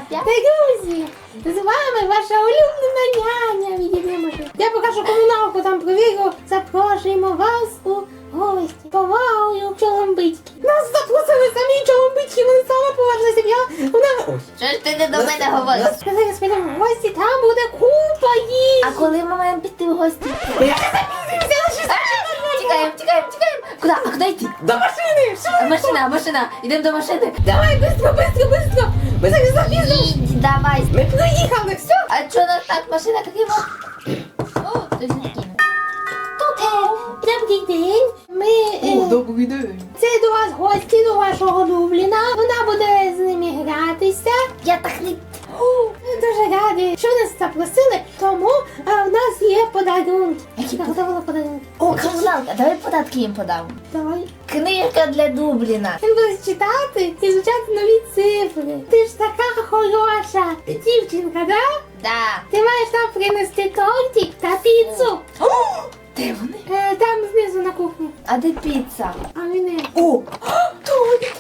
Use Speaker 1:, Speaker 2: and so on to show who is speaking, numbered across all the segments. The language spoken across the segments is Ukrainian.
Speaker 1: Друзі, з вами ваша улюблена няня Відімоші. Я покажу комуналку, там провірю. Запрошуємо вас у гості. Повагою Чоломбицькі. Нас запросили самі Чоломбицькі, вони сама поважна сім'я. Вона...
Speaker 2: Що ж ти не до мене говориш?
Speaker 1: Зараз підемо в гості, там буде купа їжі.
Speaker 2: А коли ми маємо піти в гості?
Speaker 1: Я запізнився,
Speaker 2: Тікаємо. Куди? А куди йти?
Speaker 1: до машини.
Speaker 2: Машина. Йдемо до машини.
Speaker 1: Давай, быстро. Ми зараз запізнимо.
Speaker 2: Їдь, давай.
Speaker 1: Ми приїхали, все.
Speaker 2: А що нас так машина какива? О, то зникине.
Speaker 1: Добрий день. Ми...
Speaker 2: добрий день.
Speaker 1: Це до вас гості, до вашого Дубліна. Вона буде з ними гратися.
Speaker 2: Я так не...
Speaker 1: Ми дуже раді, що нас запросили, тому в нас є подарунки.
Speaker 2: Які
Speaker 1: Готовила подарунки.
Speaker 2: О, комуналка, давай податки їм подам.
Speaker 1: Давай.
Speaker 2: Книжка для Дубліна.
Speaker 1: Він буде читати і звучати нові цифри. Ти ж така хороша дівчинка, да?
Speaker 2: Да.
Speaker 1: Ти маєш нам принести тортик та піцу.
Speaker 2: Де вони?
Speaker 1: Там знизу на кухні.
Speaker 2: А де піца?
Speaker 1: А він...
Speaker 2: О, торт.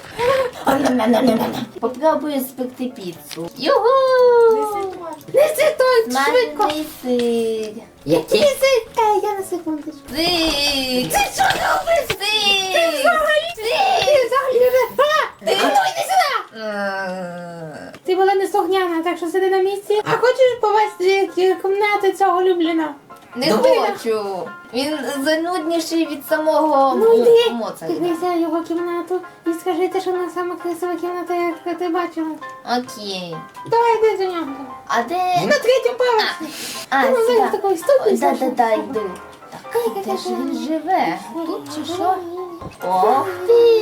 Speaker 2: Попробую спекти піцу. Югу!
Speaker 1: Неси торт, швидко.
Speaker 2: Смажений сир.
Speaker 1: Який сир? Я на секундочку.
Speaker 2: Сир.
Speaker 1: Ти що робиш?
Speaker 2: Сир.
Speaker 1: Ти взагалі вже... А ну йди сюди! Ти була неслухняна, так що сиди на місці. А хочеш повести кімнати цього Любліна?
Speaker 2: Не хочу. Він занудніший від самого
Speaker 1: Ну йди,
Speaker 2: Моцарта.
Speaker 1: піднися його кімнату і скажи те, що вона сама красива кімната, як ти бачила.
Speaker 2: Окей.
Speaker 1: Давай йди до нього.
Speaker 2: А де?
Speaker 1: На третьому поверсі.
Speaker 2: А,
Speaker 1: Ти
Speaker 2: сюди.
Speaker 1: на такої ступі.
Speaker 2: Да, йду. Так, де ж він живе? Тут чи що? Ох ти!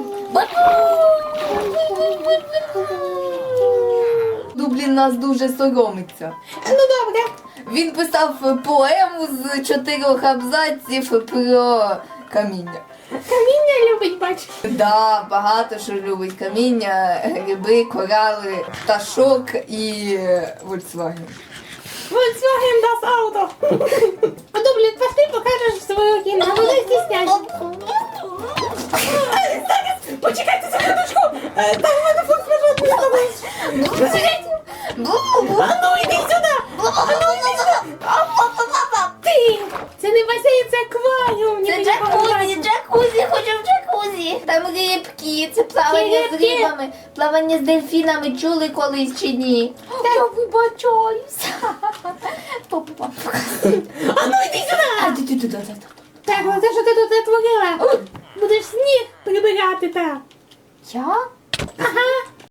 Speaker 2: Дублін нас дуже соромиться.
Speaker 1: Ну добре.
Speaker 2: Він писав поему з 4 абзаців про каміння.
Speaker 1: Каміння любить, бач.
Speaker 2: Да, багато що любить каміння, гриби, корали, пташок і Volkswagen.
Speaker 1: Volkswagen das Auto. А Дублін, пошли покажеш свою кімнату, не стісняйся. Почекайте секундочку. Там у мене фотофлажок. А ну йди сюди. Ти! Це не басейн, це акваріум.
Speaker 2: Це джакузі, хочу в джакузі. Там рибки, це плавання з
Speaker 1: рибки?
Speaker 2: рибами, плавання з дельфінами, чули колись чи ні? Я вибачаюся. Папа.
Speaker 1: А ну йди сюди.
Speaker 2: А ти туди.
Speaker 1: Так, оце що ти тут натворила? Будеш сніг прибирати так.
Speaker 2: Я?
Speaker 1: Ага.